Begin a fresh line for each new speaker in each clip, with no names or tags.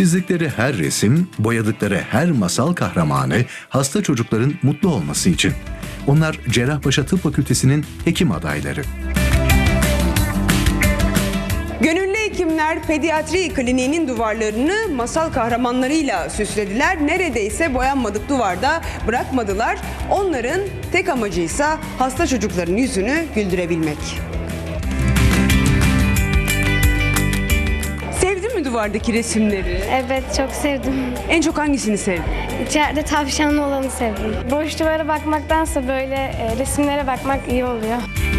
Çizdikleri her resim, boyadıkları her masal kahramanı hasta çocukların mutlu olması için. Onlar Cerrahpaşa Tıp Fakültesi'nin hekim adayları.
Gönüllü hekimler pediatri kliniğinin duvarlarını masal kahramanlarıyla süslediler. Neredeyse boyanmadık duvarda bırakmadılar. Onların tek amacıysa hasta çocukların yüzünü güldürebilmek. Sevdin mi duvardaki resimleri?
Evet, çok sevdim.
En çok hangisini sevdin?
İçeride tavşanlı olanı sevdim. Boş duvara bakmaktansa böyle resimlere bakmak iyi oluyor.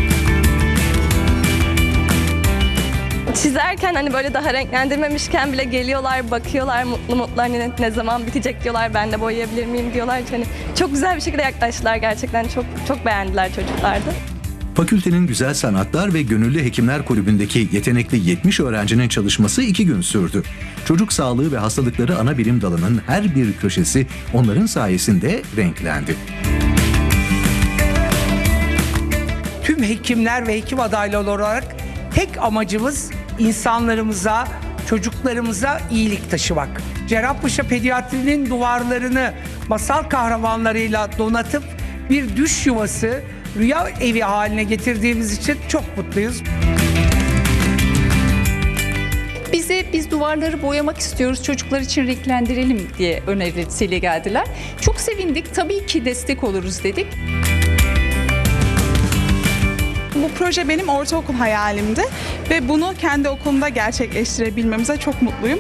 Çizerken hani böyle daha renklendirmemişken bile geliyorlar, bakıyorlar mutlu mutlu, hani ne zaman bitecek diyorlar, ben de boyayabilir miyim diyorlar. Hani çok güzel bir şekilde yaklaştılar, gerçekten çok beğendiler çocuklar da.
Fakültenin Güzel Sanatlar ve Gönüllü Hekimler Kulübü'ndeki yetenekli 70 öğrencinin çalışması 2 gün sürdü. Çocuk sağlığı ve hastalıkları ana bilim dalının her bir köşesi onların sayesinde renklendi.
Tüm hekimler ve hekim adayları olarak tek amacımız insanlarımıza, çocuklarımıza iyilik taşımak. Cerrahpaşa Pediatri'nin duvarlarını masal kahramanlarıyla donatıp bir düş yuvası, rüya evi haline getirdiğimiz için çok mutluyuz.
Biz duvarları boyamak istiyoruz, çocuklar için renklendirelim diye önerisiyle geldiler. Çok sevindik, tabii ki destek oluruz dedik.
Bu proje benim ortaokul hayalimdi ve bunu kendi okulumda gerçekleştirebilmemize çok mutluyum.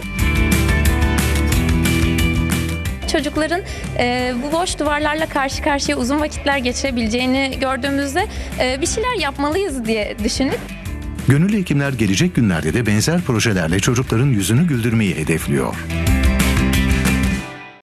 Çocukların bu boş duvarlarla karşı karşıya uzun vakitler geçirebileceğini gördüğümüzde bir şeyler yapmalıyız diye düşündük.
Gönüllü hekimler gelecek günlerde de benzer projelerle çocukların yüzünü güldürmeyi hedefliyor.